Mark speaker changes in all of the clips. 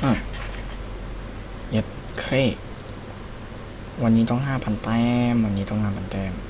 Speaker 1: อ่ะเย็ดเครวันนี้ต้อง5,000แต้มวันนี้ต้อง5,000แต้ม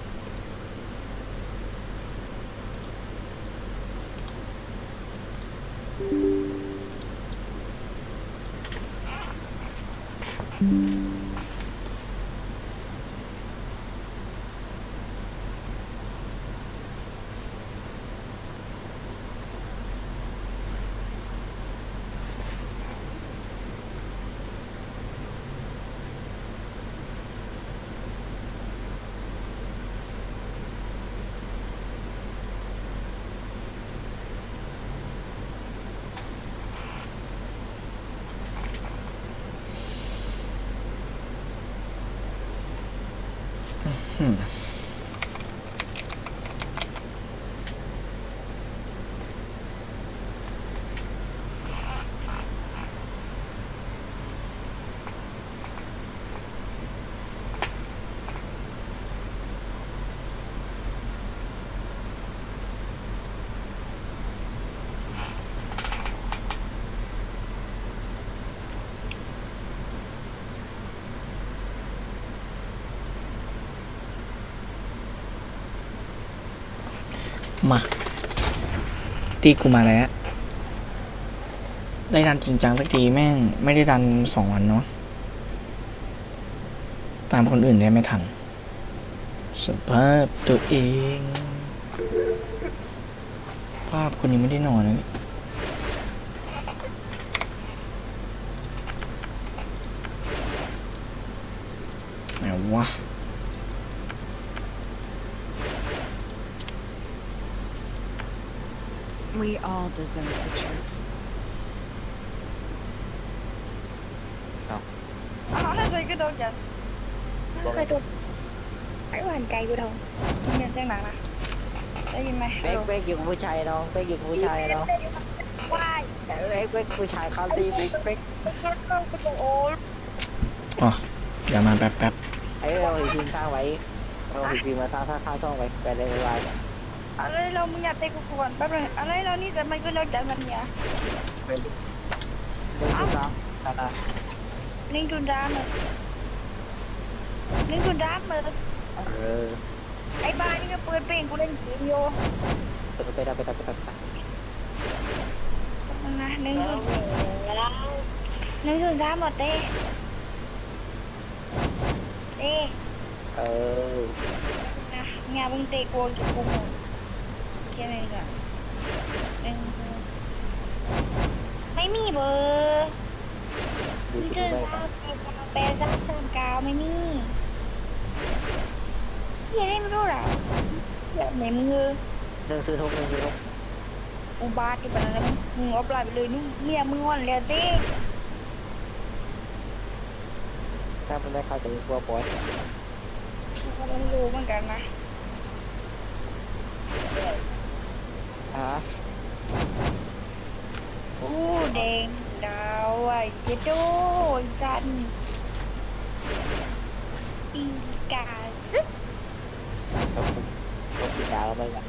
Speaker 1: มาตีกูมาแล้วได้ดันจริงจังสักทีแม่งไม่ได้ดัน2 วันเนาะตามคนอื่นได้ไม่ทันสภาพตัวเองสภาพคนยังไม่ได้นอนนะนี่ไหนวะ
Speaker 2: We all deserve the truth.
Speaker 3: nó gì cái đâu vậy? Nó cái đâu? Phải hoànใจกูทงนี่จังหนังนะได้ยินไหม
Speaker 4: เป๊กเป๊กอยู่กับผู้ชายน้องเป๊กอยู่กับผู้ชายน้อง
Speaker 3: ว้าย
Speaker 4: เป๊กผู้ชายเขาตีเป๊กเป๊ก
Speaker 3: โอ้ย
Speaker 1: อ๋ออย่ามาแป๊บ
Speaker 4: เราเห็นทีมสร้างไว้เราเห็นทีมมาสร้างช่องไว้ไปเลยไว
Speaker 3: อะไรเรามึงอยากเตะกูก่อนแป๊บนึงอะไรเรานี่แต่มันก็เราใจมันเนี่ย
Speaker 4: เล่นที่สองนะ
Speaker 3: นิ่งจุนดามเลยนิ่งจุนดามเลย ไอ้บ้านี่ก็เปิดเพลงกูเล่นเกมโย
Speaker 4: ไปนะ
Speaker 3: นะนิ่งจุนดามหมดเต้นะงานมึงเตะกูจะกูหมดแค่นี้ก่อนไม่มีเบอร์มีเจอแปด339ไม่มียังไม่รู้หรอแบบไหนมึง
Speaker 4: ซื้อทุก
Speaker 3: อุบาทที่แบบนั้นมึงเอาปลายไปเลยนี่เมียมึงงอนแล้วเต้
Speaker 4: ถ้ามันได้เข้าใจกลัวปล่อย
Speaker 3: กูไม่รู้เหมือนกันนะ
Speaker 4: ฮะ
Speaker 3: อู้แดงดาวไอ้เจ๊โจ้จันอีกาซึ
Speaker 4: ต้องกินดาวไปกัน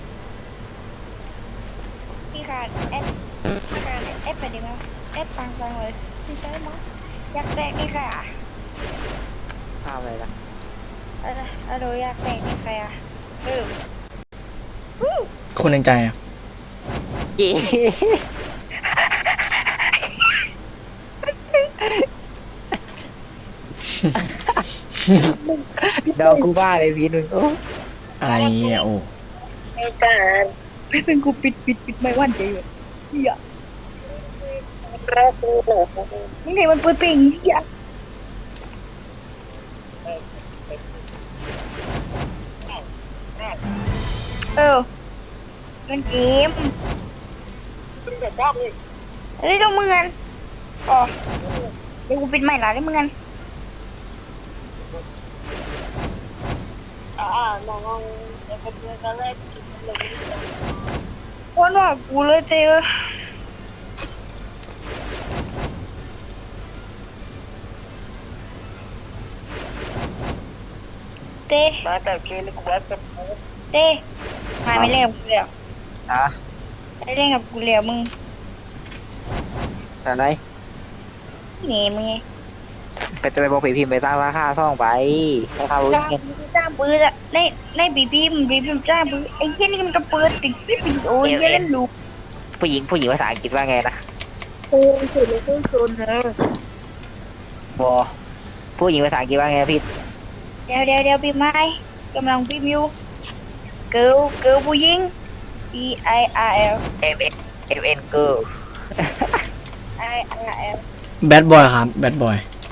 Speaker 3: พี่ขาดเอฟไปดีไหมเอฟตังเลยพี่ใช่ไหมอยากแตกนี่ค่ะ
Speaker 4: ข้าวอะไรนะ
Speaker 3: อะไรอยากแตกนี่ค่ะ
Speaker 1: ๆคนในใจอ่ะ
Speaker 4: จี ดาวกูบ้าเลยพี่หนึ่ง
Speaker 1: อะไรอ่ะโอ้
Speaker 3: ในการไม่เป็นกูปิดไม่หวั่นใจเลยเฮียมึงเห็นมันเปิดเพลงเฮียมันเกมเฮ้ยต้องมึงกันอ๋อเดี๋ยวกูปิดใหม่ละได้มึงกันวันว่ากูเลยเจอเต้เต้มาไม่เล่นกับกูเลยอ่ะ
Speaker 4: ฮะ
Speaker 3: ไม่เล่นกับกูเลยมึง
Speaker 4: อะไร
Speaker 3: นี่มึงไง
Speaker 4: ไปบอกผีพิมพ์ไปสร้างราคาซ่องไปราคารู้
Speaker 3: จ้าง
Speaker 4: เงิน
Speaker 3: จ้างปืนอะในบีบีจ้างปืนไอ้เหี้ยนี่มันก็เปิดติดคลิปวิดีโอเหี้ยเล่นลูก
Speaker 4: ผู้หญิงภาษาอังกฤษว่าไงนะ
Speaker 3: โอ้ยเฉยเลยโซนเลย
Speaker 4: บอผู้หญิงภาษาอังกฤษว่าไงพี่
Speaker 3: เดี๋ยวบีบไม้กำลังบีบอยู่เกิร์ลผู้หญิง E I R L
Speaker 4: MN girl
Speaker 3: I R L
Speaker 1: แบดบอยครับแบดบอย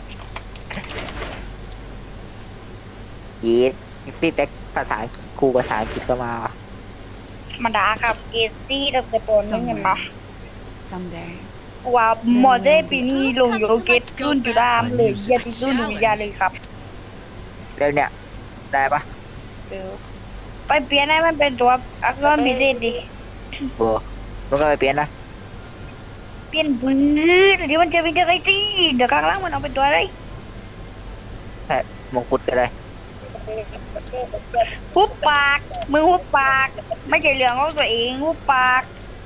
Speaker 4: ยีดพี่แบ็คภาษาครูภาษาอังกฤษก็มา
Speaker 3: มาด่าครับเกซี่ตั้งแต่ตอนนี้เห็นปะ
Speaker 2: Someday.
Speaker 3: ว่าหมอได้ปีนี้ลงโยเกตรุ่นจุดามเลยอย่าติดรุ่นวิญญาเลยครับ
Speaker 4: เรื่องเนี้ยได้ปะ
Speaker 3: เออไปเปลี่ยนให้มันเป็นตัวอักษรพิเศษดิ
Speaker 4: โอ้มันก็ไปเปลี่ยนนะ
Speaker 3: เปลี่ยนปืนเดี๋ยวมันจะเป็นอะไรสิเดี๋ยวข้างล่างมันเอาเป็นตัวอะไร
Speaker 4: ใช่มงกุฎก็ได้
Speaker 3: หุบปากมึงหุบปากไม่ใช่เรื่องของตัวเองหุบปาก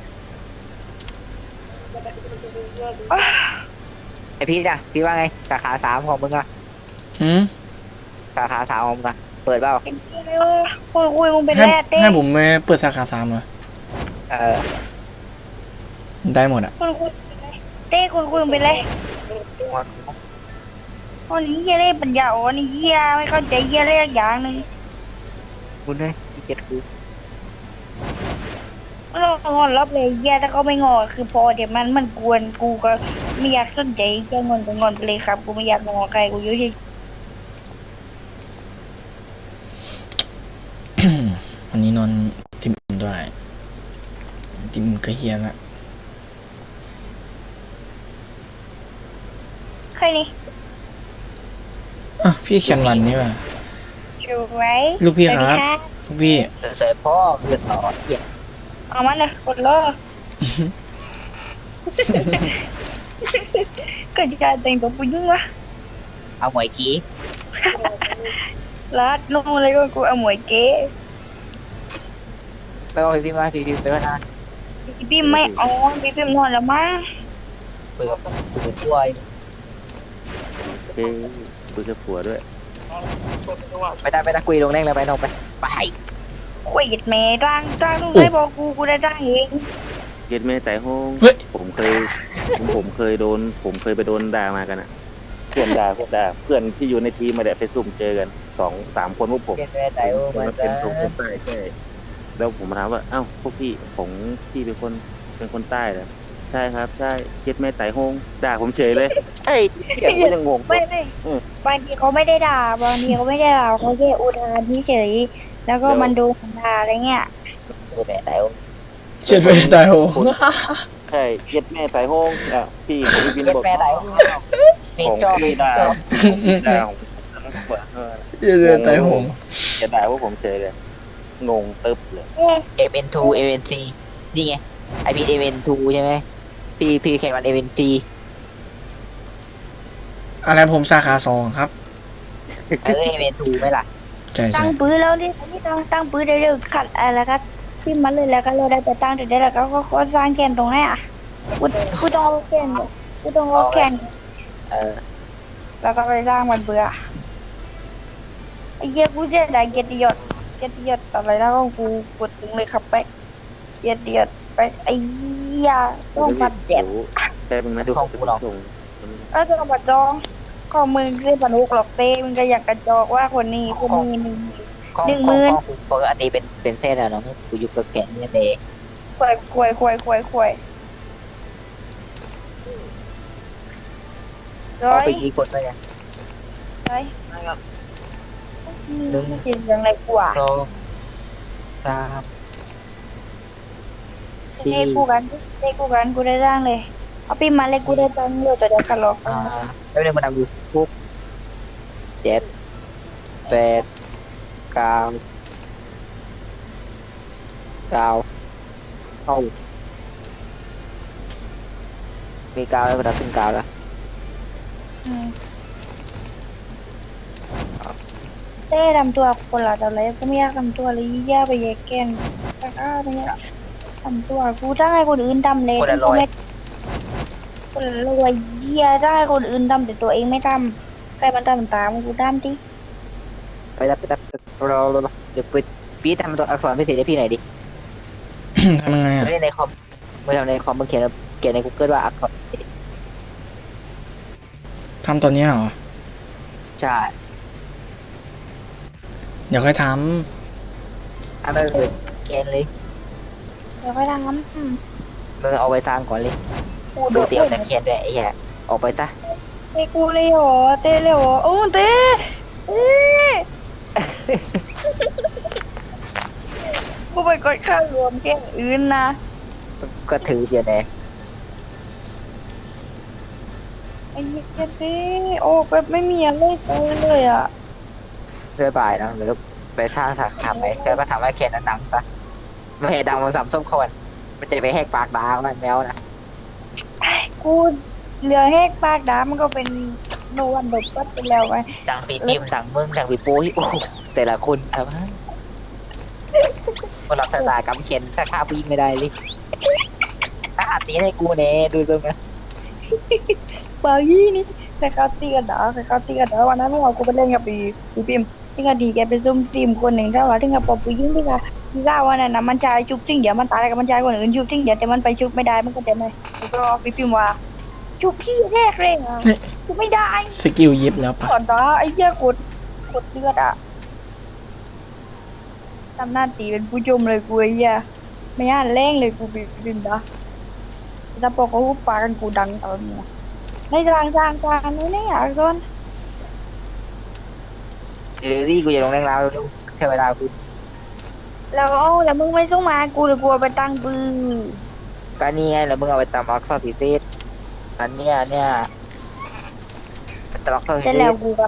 Speaker 3: อ้าว
Speaker 4: ไอพี่เนี่ยพี่ว่าไงสาขาสามของมึงอะ
Speaker 1: หืม
Speaker 4: สาขาสามของมึงอะเปิดเปล่า
Speaker 3: เป็นที่เลยวะคุยมึงเป็น
Speaker 1: ให้
Speaker 3: แร่เต้
Speaker 1: ให้ผมไปเปิดสาขา3เหรอ
Speaker 4: เออ
Speaker 1: ได้หมดอ่ะ
Speaker 3: คุยเต้คุยมึงเป็นไรวันนี้เหี้ยเล่ปัญญาอ่อนนี่เหี้ยไม่เข้าใจเหี้ยเล่อย่างหนึ่ง
Speaker 4: คุณเลยพี่เจ็ดคือ
Speaker 3: เรางอนรับเลยเหี้ยถ้าเขาไม่งอคือพอเดี๋ยวมันกวนกูก็ไม่อยากสนใจแค่งอนก็งอนไปเลยครับกูไม่อยากงอใครกูอยู่เฉย
Speaker 1: วันนี้นอนติมอิ่มด้วยติมอิ่มก็เฮียละ
Speaker 3: ใครนี่
Speaker 1: อ่ะพี่แคนวันนี่ว่ะ
Speaker 3: ช่วย
Speaker 1: ลูกพี่
Speaker 3: สวัส
Speaker 1: ค
Speaker 3: ดี
Speaker 1: รับ
Speaker 3: ค่ะ
Speaker 1: ลูกพี่
Speaker 4: เสยพ่อเลือดต่อเหี้ย
Speaker 3: เอามันเลยกดล้อก็จะแต่งตัวผู้หญิงวะ
Speaker 4: เอาหมวยกี้
Speaker 3: รัดนู่นเลยก็กูเอาหมวยเก๋
Speaker 4: ไปบอกพี่มาพี่ไปว่านะ
Speaker 3: พี่ไม่เอาพี่พิมนอนแล้วมั้ง
Speaker 4: เปิดด้วย
Speaker 5: เอ้ยคุยกับผัวด้วย
Speaker 4: ไม่ได้คุยลงแรงเลยไปนอกไปไป
Speaker 3: คุยกับแม่จ้างนู่นไม่บอกกูได้จ้างเอง
Speaker 5: เย็ดแม่แต่ห้อง
Speaker 1: เฮ้ย
Speaker 5: ผมเคยผมเคยไปโดนด่ามากันอะเพื่อนด่าเพื่อนที่อยู่ในทีมมาแดดไปซุ่มเจอกัน2-3 คนพวกผม
Speaker 4: เรียนแม่แต่โอ้มัน
Speaker 5: เป็นคนใต้ใช่แล้วผมถามว่าเอ้าพวกพี่เป็นคนใต้เหรอใช่ครับใช่เย็ดแม่แต่ห้องด่าผมเฉยเลยไอ้เหี้ยกูยังงง
Speaker 3: ไม่
Speaker 5: อืม
Speaker 3: บางทีเขาไม่ได้ด่าบางทีเขาไม่ได้ด่าเขาแค่อุทานเฉยแล้วก็มันดูของด่าอะไรเงี้ย
Speaker 4: คือแม่แต่โอ้
Speaker 1: เฉียดไปตายโห
Speaker 5: ใช่เย็ดแม่แต่ห้องอ่ะพี่ของพี่บิน
Speaker 4: เรียน
Speaker 5: บอก
Speaker 4: แม่แต่โอ้มี
Speaker 5: ของ
Speaker 4: จอบ
Speaker 5: พี่ด่าของ
Speaker 1: เฉียดไปตายโหง
Speaker 5: จะด่าว่าผมเฉยเลยงงตึ๊บเลย
Speaker 4: MN2 MN3 นี่ไงไอพี MN2 ใช่ไหมพี่แข่งวัน MN3
Speaker 1: อะไรผมสาขา2ครับ
Speaker 4: MN2 ไหมล่ะ
Speaker 1: ใช่
Speaker 3: ตั้
Speaker 1: ใช่
Speaker 3: งปืนแล้วนี่ตั้งปืนได้เร็วขัดอะไรแล้วก็พิมพ์มาเลยแล้วก็เราได้ไปตั้งแต่ได้แล้วก็สร้างแกนตรงไหนอ่ะกูต้องเอาแกนกูต้องเอาแกน แล้วก็ไปสร้างมันเบื่อไอ้เหี้ยกูเสียดายเกียรติยศอะไรแล้วก็กูกดถึงเลยครับไปเกียรติยศไปไอ้เหี้ยต้องปัดเจ็บ
Speaker 5: ใช่มึงนะ
Speaker 4: ดูของกูหรอ
Speaker 5: ส่ง
Speaker 3: ก็ต้องปัดจองก็มึงคือปนุกหรอกเต้มึงก็อยากกระจอกว่าคนนี้คนนี้มึง
Speaker 4: ของ
Speaker 3: 10,000
Speaker 4: กูปกติเป็นเส้นแล้วเนาะกูอยู่กับแขนนี่เอง
Speaker 3: ควยร้
Speaker 4: เอา
Speaker 3: อย
Speaker 4: ไปกี่คนไปเนี่ย
Speaker 3: ร้อยนี่จริงยังไงกว่า
Speaker 4: 2 3
Speaker 3: เต้กูกันกูได้ร่างเลยเอาปีมาเลยกูได้ตังค์เลยแต่เดี๋ยวกันหรอก
Speaker 4: แล้วเรื่องมันทำอยู่ปุ๊บ7 8 9 เข้ามีกาวแล้วก็ดับเป็นกาวแล้ว
Speaker 3: เต้ทำตัวคนละแต่อะไรก็ไม่อยากทำตัวเลยแย่ไปแยกแกนแต่ก็ไม่อยากทำตัวกูจ้างให้คนอื่นทำเลยกูไม่คนรวยเยี่ยได้คนอื่นทำแต่ตัวเองไม่ทำใครมันทำตามกูทำที่
Speaker 4: ไปเราเดี๋ยวปีทำตัวอักษรพิเศษให้พี่หน่อยดิ
Speaker 1: ทำยังไงอ่ะ
Speaker 4: เล่นในคอมเมื่อทำในคอมมึงเขียนใน Google ว่าอักษรพิเศษ
Speaker 1: ทำตัวเนี้ยเหรอ
Speaker 4: ใช่
Speaker 1: เดี๋ยวค่อยท
Speaker 4: ถ้าไม่เป็นเขียนเลย
Speaker 3: เดี๋ยวค่อยทำ
Speaker 4: มึงเอาไปสร้างก่อนเลย
Speaker 3: กู
Speaker 4: ดู
Speaker 3: ดู
Speaker 4: เตี๋ยวแต่เขียนด้วยไอ้แย่ออกไปซะ
Speaker 3: เต้กูเลยเหรอเต้เลยเหรอโอ้เต้เต้กูไปกดข้าวรวมแค่อื่นนะ
Speaker 4: ก็ถือเดียวแน่
Speaker 3: ไอ้เหี้ยเต้โอ้แบบไม่มีอะไรเลยอ่ะ
Speaker 4: เรื่อยบ่ายนะหรือไปสร้างสาขาไปแล้วก็ทำให้เขียนนั้นดังซะไม่ให้ดังมันสามส้มคนมันจะไปแหกปากด่ามันแมวนะ
Speaker 3: กูเหลือแหกปากดามันก็เป็นโนวันดบก็ไปแล้วไง
Speaker 4: ดังปีนิ่มดังมึงดังปีปุ้ยโอ้โหแต่ละคนครับคนรับสตากำเขียนสาขาผู้หญิงไม่ได้เลยถ้าหาตีให้กูเนี่ยดูตรงนะ
Speaker 3: เบอร์ยี่นี่ใครเขาตีกันเหรอใครเขาตีกันเหรอวันนั้นเรากูไปเล่นกับปีพิมที่กดีแกไปซุ่มทีมคนหนึ่งถ้าว่าที่กับปอผู้หญิงที่กที่ก้าวันนั้นนะมันชายจุกจริงเดี๋ยวมันตายกับมันชายคนอื่นจุกจริงเดี๋ยวแต่มันไปจุกไม่ได้มันก็จะไม่แล้วก็ปีพิมว่าจุกที่แรกเลยอ่ะจุกไม่ได้
Speaker 1: ำสกิลยิบแล้วปะ
Speaker 3: ก่อนนะไอ้เหี้ยกดเลือดอ่ะทำหน้าตีเป็นผู้ชมเลยกูไอ้เหี้ยไม่อ่านแรงเลยกูปีพิมนะถ้าปอกเขาปากันกูดังตอนนี้ในทางนี่นี่อ่ะก่อน
Speaker 4: เดี๋ยวที่กูจะลงแรงแล้วใช้เวลากู
Speaker 3: แล้วมึงไม่ส่งมากูเลยกลัวไปตั้งปืน
Speaker 4: ก็นี่ไงแล้วมึงเอาไปตำอักษรพิเศษอันเนี้ยตำอักษรพิ
Speaker 3: แต่
Speaker 4: เศ
Speaker 3: แล้ว
Speaker 4: ษ
Speaker 3: กูแบบ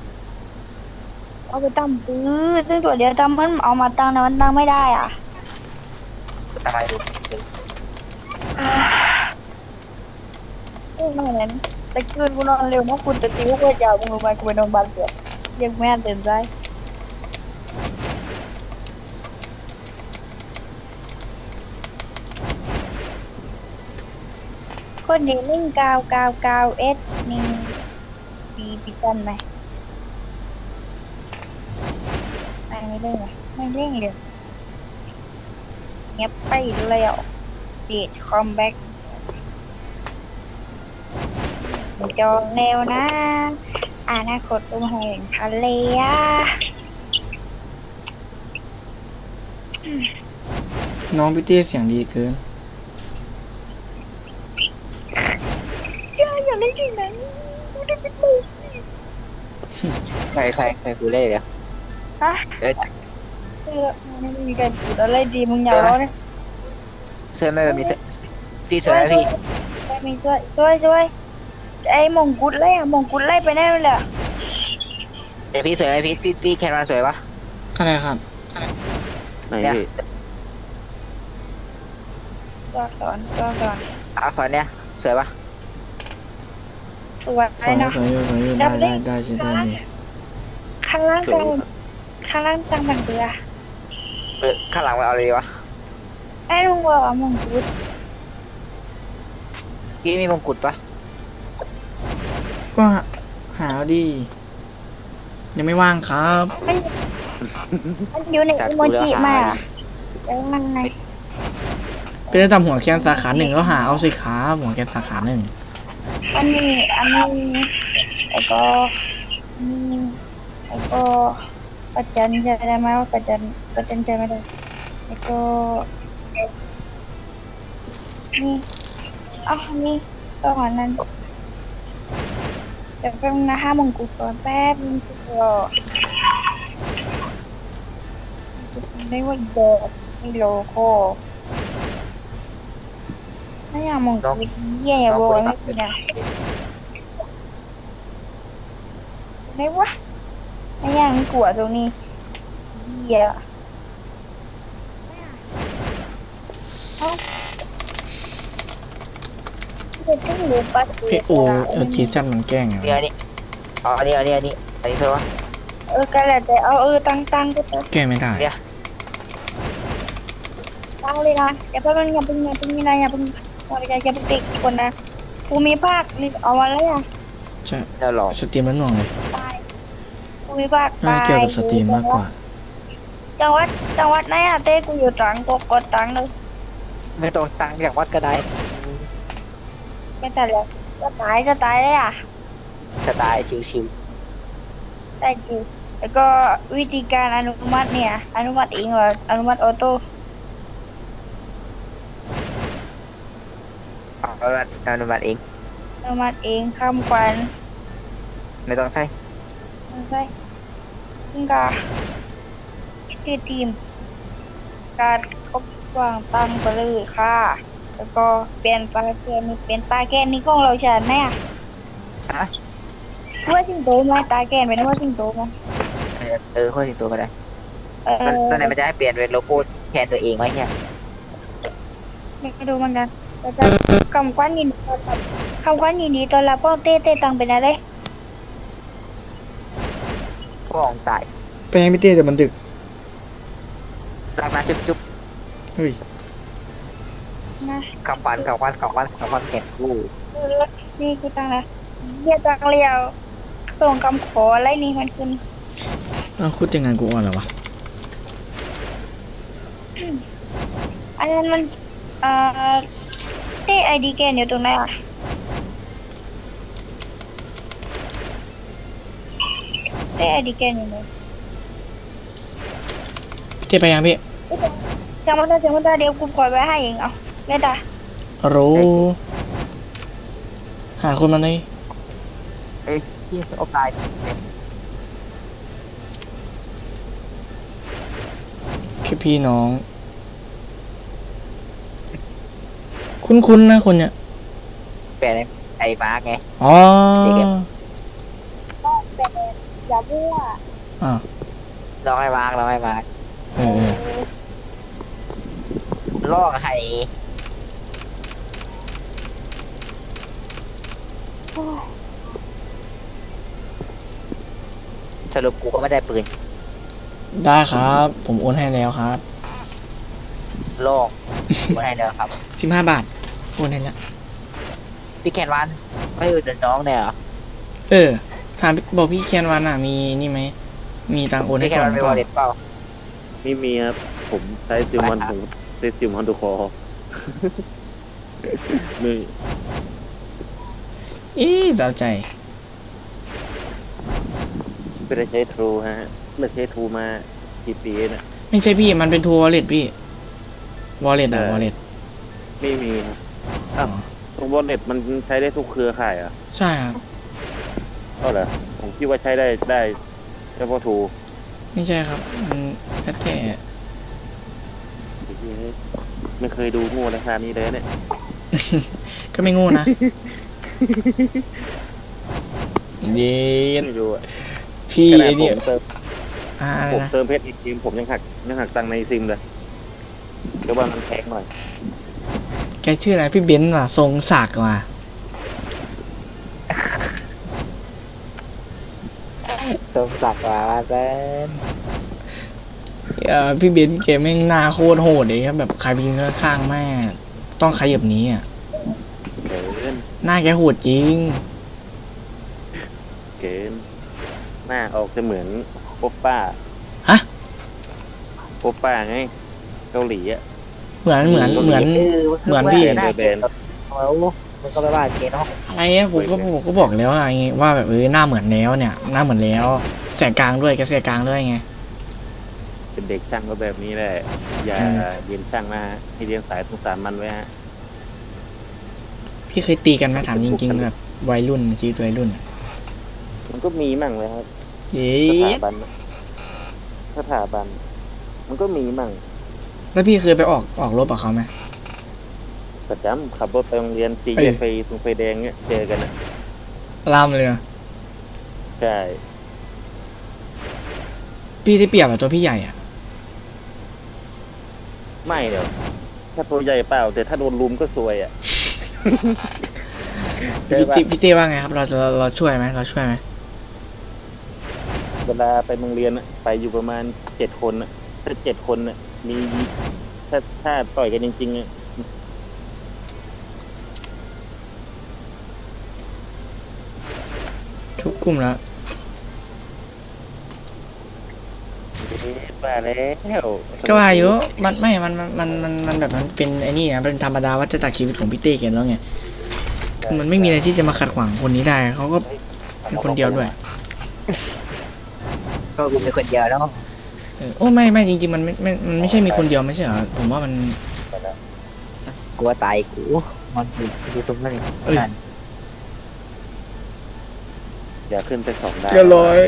Speaker 3: เอาไปตั้งปืนซึ่งตัวเดียวตั้งมันเอามาตั้งนะมันตั้งไม่ได้อ่ะ
Speaker 4: ทำไมดู
Speaker 3: ไม่เหมือนแต่คืนกูนอนเร็วนะกูจะตีพวกเพื่อนยาวมึงรู้ไหมกูไปนอนบ้านเสือยังแม่ตื่นใจคนนี้เล่น999 S นี่ปีกันไหมไม่เล่นไหมไม่เล่นเลยเงียบไปแล้วเดทคอมแบ็กจองแนวนะอนาคตตุ้มแห่งทะเลอ่ะ
Speaker 1: น้องพี่เต้เสียงดีเกิน
Speaker 3: อย่าเล่นที่ไหนกูได้เป็นลูก
Speaker 4: ใครกูเล่นเดี๋ยว
Speaker 3: ฮะ
Speaker 4: เอ้ย
Speaker 3: ไม่มีการพูดอะไรดีมึงอย่าร้องนะ
Speaker 4: เสื้อไม่แบบนี้พี่สวยไหมพี่
Speaker 3: ไม่มีช่วยไอ้มงกุฎไล่อะมงกุฎไล่ไปแน่เลยอะ
Speaker 4: เดี๋ยวพี่สวยไหมพี่แคนวาสวยปะ
Speaker 1: อะไรครับ
Speaker 5: ไหน
Speaker 4: เนี่ย
Speaker 5: พี่
Speaker 3: ตัวสอน
Speaker 4: อักษรเนี่ยสวยปะ
Speaker 3: ตัว
Speaker 1: ส
Speaker 3: ไอ้
Speaker 1: วย
Speaker 3: เนาะ
Speaker 1: สวยอยู่สวยอยู่ได้สิได้ดิ
Speaker 3: ข้างล่าง
Speaker 5: สวย
Speaker 3: จังบันเบือ
Speaker 4: ข้างหลังมันเอาเลยวะ
Speaker 3: ไอ้ลุงบอกว่ามงกุฎ
Speaker 4: พี่มีมงกุฎปะ
Speaker 1: ก็หาเอาดิยังไม่ว่างครับ
Speaker 3: มันอยู่ในอีโมจิมาแล้วมันไง
Speaker 1: ไปได้ทำหัวแคนสาขาหนึ่งแล้วหาเอาสิครับหัวแคนสาขาหนึ่ง
Speaker 3: อันนี้แล้วก็ประจันใช่ไหมว่าประจันใช่ไหมได้แล้วก็นี่นี่ต้องอันนั้นเดี๋ยวแป๊บนึงนะ5 มงกุฎก่อนแป๊บนึงก็ไม่ว่าเดอไม่โลโก้ไม่อยากมงกุฎเยี่ยอย่าบอกไม่กินอ่ะไม่วะไม่อยากกลัวตรงนี้เยี่ย
Speaker 1: พี่โอทีจันมันแกล้งไง
Speaker 4: เนี่ยนี่อ๋ออันนี้เธอวะ
Speaker 3: ก็แล้วแต่ตั้งก็จะ
Speaker 1: แก้ไม่ได้
Speaker 4: เนี่ย
Speaker 3: ตั้งเลยนะอย่าเพิ่งนี่นะอย่าเพิ่งติดคนนะภูมิภาคนี่เอามาแล้วอ่ะ
Speaker 1: ใช่
Speaker 4: แล้วหรอ
Speaker 1: สตรีมแล้วหน่วงเลย
Speaker 3: ตายภูมิภาค
Speaker 1: น่า
Speaker 3: ตาย
Speaker 1: เกี่ยวกับสตรีมมากกว่า
Speaker 3: จังหวัดไหนอ่ะเต้กูอยู่ตรังกูกดตรังเลย
Speaker 4: ไม่ต้องตังจากวัดก็ได้
Speaker 3: ไม่แต่แล้วก็ตายเลยอ่ะ
Speaker 4: สไตล์ชิว
Speaker 3: ได้จริงแล้วก็วิธีการอนุมัติเนี่ยอนุมัติเองเหรออนุมัติออโต้
Speaker 4: ๆเอาละอนุมัติเอง
Speaker 3: อนุมัติเองข้ามควัน
Speaker 4: ไม่ต้องใช้
Speaker 3: ไม่ใช่ซึ่งก็ชื่อทีมการครบวางตั้งไปเลยค่ะ แล้วก็เปลี่ยนปลาแกนนี่เป็นปลาแกนนี่ของเราฉันแน่
Speaker 4: ฮะ
Speaker 3: ว่าสิงโตไหมตาแกนเป็นว่าสิงโตไหม
Speaker 4: ข้อสิงตัวก็ได้
Speaker 3: เออ
Speaker 4: ตอนไหนมันจะให้เปลี่ยนเป็นโลโก้แทนตัวเองไหมเนี่ย
Speaker 3: ไม่รู้เหมือนกันแต่จะคำควันยินดีตอนรับคำควันยินดีตอนรับป้องเต้ตังเป็นอะไร
Speaker 4: พ่อของตาย
Speaker 1: ไปให้พี่เต้แต่มันดึก
Speaker 4: รักนะจุ๊บ
Speaker 1: เฮ้ย
Speaker 3: นะ
Speaker 4: ๆคำขวัญแก่กู้
Speaker 3: นี่คือตังนะเรียกตังเรียวส่งคำขออะไรนี่มันขึ้น
Speaker 1: เอาคุดยังไงกูอ่อนเหรอวะ
Speaker 3: อันนั้นมันเอ่อเต้ไอดีแกนอยู่ตรงไหนอ่ะเต้ไอดีแกนอยู่ไหน
Speaker 1: พี่เต้ไปยังพี่
Speaker 3: จังหวัดเดี๋ยวกูปล่อยไว้ให้เองเอาเล่นตา
Speaker 1: รู้หาคนมาเลย
Speaker 4: เฮ้ยที่โอ้ตาย
Speaker 1: แค่พี่น้อง คุ้นๆนะคนเนี้ย
Speaker 4: เปลี่ยนไอ้มาร์กไง
Speaker 1: อ๋อ
Speaker 3: อย่ามั่ว
Speaker 1: อ่า
Speaker 4: ลองให้มาร์ก
Speaker 1: เออ
Speaker 4: ลอกให้สรุปกูก็ไม่ได้ปืน
Speaker 1: ได้ครับ ผมโอนให้แล้วครับ
Speaker 4: ลอกไม่ได้เด้อครับ
Speaker 1: 15 บาท โอนให้แล้ว
Speaker 4: พี่แคนวันไม่อุดหนุนน้องเนี่ยเหรอ
Speaker 1: เออ ถามบอกพี่เคียนวันอ่ะ มีนี่ไหม มีตังค์โอนให้
Speaker 4: พี่แคน
Speaker 1: ก่อ
Speaker 4: วัน นไม่
Speaker 1: ก่
Speaker 4: ว
Speaker 1: อ
Speaker 4: อน ลเล็ตเปล่า
Speaker 5: ไม่มีครับ ผมใช้ซิมวันผมใช้ซิมฮอนดูคอไม่
Speaker 1: อีเจ้าใจ
Speaker 5: ไม่ได้ใช้ทรูฮะเลิกใช้ทรูมากี่ปีเนี่ย
Speaker 1: ไม่ใช่พี่ มันเป็นทัวร์วอลเล็ตพี่ วอลเล็ตอะวอลเล็ต
Speaker 5: ไม่มีครับอ้าวตรงวอลเล็ตมันใช้ได้ทุกเครือข่ายอ่ะ
Speaker 1: ใช่ครับ
Speaker 5: ก็เหรอผมคิดว่าใช้ได้เฉพาะทรู
Speaker 1: ไม่ใช่ครับ มันแค่
Speaker 5: ไม่เคยดูโง่ราคานี้เลยเนี่ย
Speaker 1: ก็ไม่โงูนะ เย็น
Speaker 5: ไม่รู้อะ
Speaker 1: พี่
Speaker 5: ขนา
Speaker 1: ไอ
Speaker 5: ดผ
Speaker 1: เนี่ย
Speaker 5: มเติม
Speaker 1: อะไร
Speaker 5: ผม
Speaker 1: นะ
Speaker 5: เติมเพชรอีกทีมผมยังหักตังค์ในซิมเลยเดี๋ยวว่ามันแพงหน่อย
Speaker 1: แกชื่ออะไรพี่เบนซ์ว่ะ ทรงศักดิ์ว่ะ
Speaker 4: สมศักดิ์ว่าเป็น
Speaker 1: พี่เบนซ์แกแม่งหน้าโคตรโหดเลยครับแบบใครไปยืนข้างๆแม่ต้องขยับหนี้อ่ะ
Speaker 5: เกิน
Speaker 1: หน้าแกโหดจริง
Speaker 5: เกินหน้าออกจะเหมือนโอปป้า
Speaker 1: ฮะ
Speaker 5: โอปป้าไงเกาหลีอ่ะ
Speaker 1: เหมือนพี่
Speaker 4: เหมือนพี่
Speaker 5: แบน
Speaker 4: มันก็ไม่ว่าเกณฑ์เนาะ
Speaker 1: อะไรอะผมก็บอกแล้วไงว่าแบบหน้าเหมือนแล้วเนี่ย หน้าเหมือนแล้ว แสกกลางด้วยแกแสกกลางด้วยไง
Speaker 5: เป็นเด็กช่างก็แบบนี้แหละ อย่าเรียนช่างนะฮะให้เรียนสายสงสารมันไว้ฮะ
Speaker 1: พี่เคยตีกันไหมถามจริงๆแบบวัยรุ่นชีวิตวัยรุ่นอะ
Speaker 5: มันก็มีมั่งเลยครับ
Speaker 1: เย้
Speaker 5: สถาบันมันก็มีมั่ง
Speaker 1: แล้วพี่เคยไปออกรบกับเขาไหม
Speaker 5: ประจำขับรถไปโรงเรียนตีแยกไฟตรงไฟแดงเนี่ยเจอกันอ่ะ
Speaker 1: ล่ามเลยอะ
Speaker 5: ใช่
Speaker 1: พี่ได้เปรียบแบบตัวพี่ใหญ่อะ
Speaker 5: ไม่เดี๋ยวถ้าตัวใหญ่เปล่า แต่ถ้าโดนลุมก็ซวยอ่ะ
Speaker 1: พี่เต้ว่าไงครับ เราช่วยไหมเราช่วยไหม
Speaker 5: เวลาไปโรงเรียนอะไปอยู่ประมาณ7 คนอะถ้า7 คนอะมีถ้าต่อยกันจริงๆอะ
Speaker 1: ทุกกลุ่มแล้ว
Speaker 5: มาแล้ว
Speaker 1: ก็ว่าอยู่มันไม่มันแบบมันเป็นไอ้นี่นะเป็นธรรมดาวัฏจักรชีวิตของพี่เต้แกแล้วไงคือมันไม่มีอะไรที่จะมาขัดขวางคนนี้ได้เขาก็เป็นคนเดียวด้วย
Speaker 4: ก็กูเป็นคนเดียวแล้ว
Speaker 1: โอ้ไม่จริงๆมันไม่ใช่มีคนเดียวไม่ใช่เหรอผมว่ามัน
Speaker 4: กลัวตายกูมันดูซุ้มนั่นเอง
Speaker 1: เอ้ย
Speaker 4: นั่น
Speaker 5: อย่าขึ้นไป2 ดาว
Speaker 1: เรียบร้อย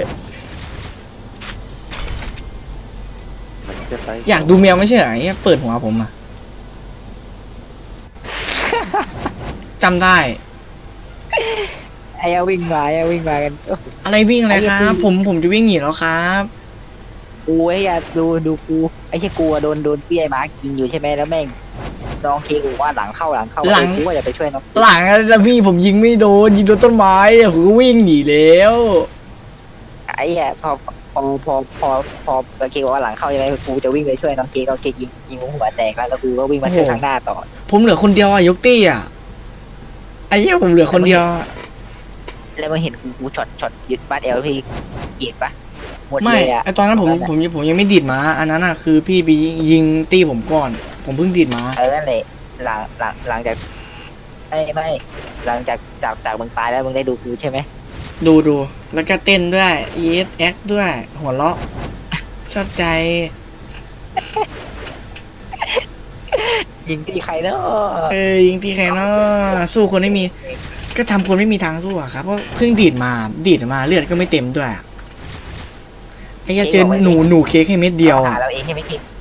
Speaker 5: มันจะไป
Speaker 1: อยากดูแมวไม่ใช่เหรอไอ้เหี้ยเปิดหัวผมอ่ะ จำได้
Speaker 4: ไอ้เอาวิ่งมากัน
Speaker 1: อะไรวิ่งอะไรค
Speaker 4: ไอ้
Speaker 1: รั
Speaker 4: เหี้
Speaker 1: บ
Speaker 4: ย
Speaker 1: ผมจะวิ่งหนีแล้วครับ
Speaker 4: กูไอ้ยาดูกูไอ้เชี่ยกูอะโดนพี่ไอ้มาร์กยิงอยู่ใช่ไหมแล้วแม่งน้องเคกูว่าหลังเข้ากูว่าจะไปช่วยน้อง
Speaker 1: หลังแล้วพี่ผมยิงไม่โดนยิงโดนต้นไม้อะผมก็วิ่งหนีแล้ว
Speaker 4: ไอ้เหี้ยพอเคบอกว่าหลังเข้าใช่ไหมกูจะวิ่งไปช่วยน้องเคยิงหัวแตกแล้วกูก็วิ่งมาช่วยทางหน้าต่อ
Speaker 1: ผมเหลือคนเดียวอะยกตี้อะไอ้เหี้ยผมเหลือคนเดียวอะ
Speaker 4: แล้วมึงเห็นกูช็อตยึดบ้านเอลพี่เกลียดปะหมด
Speaker 1: ไม่
Speaker 4: เลยอะ
Speaker 1: ไอตอนนั้นผมยังไม่ดีดม้าอันนั้นอะคือพี่ไปยิงตี้ผมก่อน ผมเพิ่งดีดม้า
Speaker 4: นั่นแหละหลังจากไม่หลังจากมึงตายแล้วมึงได้ดูกูใช่ไหม
Speaker 1: ดูแล้วก็เต้นด้วยแอคด้วย หัวเราะชอบใจ
Speaker 4: ยิงที่ใครเนาะ
Speaker 1: ยิงตีใครเนาะสู้คนไม่มี ก็ทำคนไม่มีทางสู้อะครับเพราะเพิ่งดีดมาเลือดก็ไม่เต็มด้วยอะไอ้เหี้ยเจอหนูเค้กให้เม็ดเดียว
Speaker 4: หา
Speaker 1: อะ
Speaker 4: เราเองใช่ไหมคิด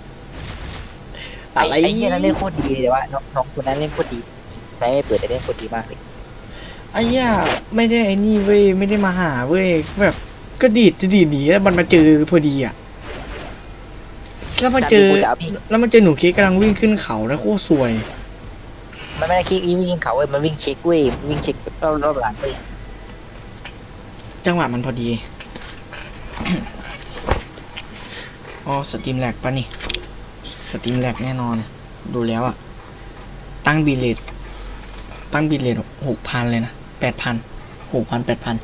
Speaker 1: อะไร
Speaker 4: ไอ้เหี้ยนั้นเล่นโคตรดีเลยแต่ว่าน้องคนนั้นเล่นโคตรดีไม่เปิดแต่เล่นโคตรดีมากเลย
Speaker 1: ไอ้เหี้ยไม่ได้ไอ้นี่เว้ยไม่ได้มาหาเว้ยแบบก็ดีดหนีแล้วมันมาเจอพอดีอะแล้วมาเจอ
Speaker 4: กูจะเอาพี่
Speaker 1: แล้วมันเจอหนูเค้กกำลังวิ่งขึ้นเขาแล้วโคตรสวย
Speaker 4: มันไม่ได้คิกวิ่งเขาเว้ยมันวิ่งเช็คเว้ยวิ่งเช็ครอบหลังเว้ย
Speaker 1: จังหวะมันพอดี อ๋อสตรีมแลกปะนี่สตรีมแลกแน่นอน ดูแล้วอะตั้งบิลเลต6,000เลยนะ8,000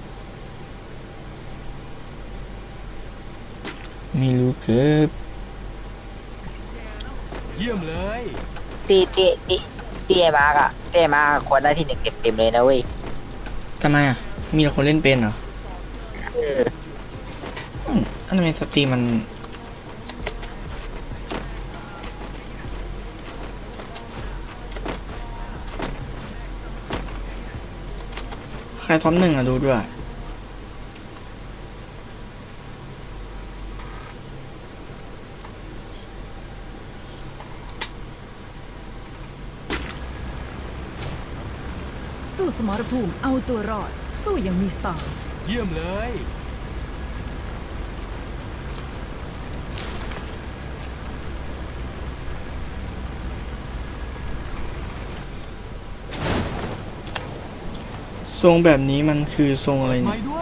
Speaker 1: ไม่รู้ครับ
Speaker 4: ตีไอ้มาร์กอะตีไอ้มาร์กควรได้ที่ 1เต็มเลยนะเว้ย
Speaker 1: ทำไมอะมีแต่คนเล่นเป็นเหรอ
Speaker 4: เออ
Speaker 1: อันนั้นสตรีมมันใครท็อป1อะดูด้วย
Speaker 2: สู้สมรภูมิเอาตัวรอด สู้อย่างมีสไตล์
Speaker 6: เยี่ยมเลย
Speaker 1: ทรงแบบนี้มันคือทรงอะไร
Speaker 6: ไป
Speaker 1: เนี่ย
Speaker 6: ด้วย